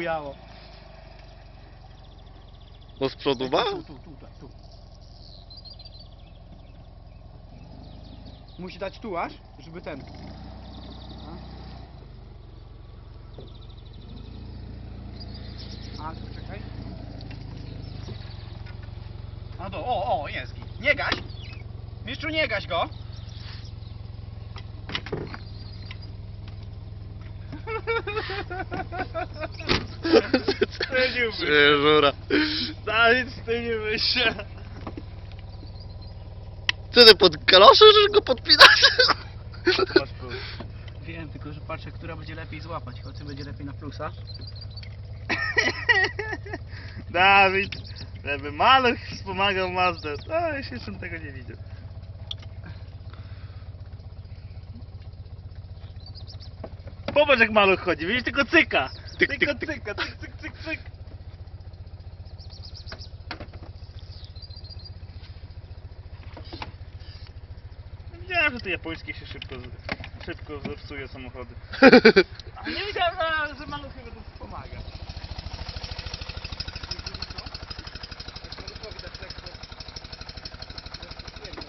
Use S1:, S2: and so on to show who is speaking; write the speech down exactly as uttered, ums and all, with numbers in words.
S1: bujało.
S2: No z przodu ma?
S1: Tu, tu, tu, tu, tu. Musi dać tu aż, żeby ten. A, A tu czekaj. A do, o, o, jest git. Nie gaś! Mistrzu, nie gaś go!
S2: Żura.
S1: Dawid, ty nie myślę.
S2: Co ty pod kalosze, że go podpinasz?
S1: Wiem, tylko że patrzę, która będzie lepiej złapać. Chodź, będzie lepiej na plusa.
S3: Dawid, żeby maluch wspomagał Mazdę. A, jeszcze jeszcze tego nie widział. Popatrz jak maluch chodzi, widzisz, tylko cyka.
S2: Tyk,
S3: Tylko
S2: tyk, tyk.
S3: cyka, cyk, cyk, cyk, cyk. Wiedziałem, że te japońskie się szybko, szybko zepsuje samochody. A nie wiedziałem, że maluchy będą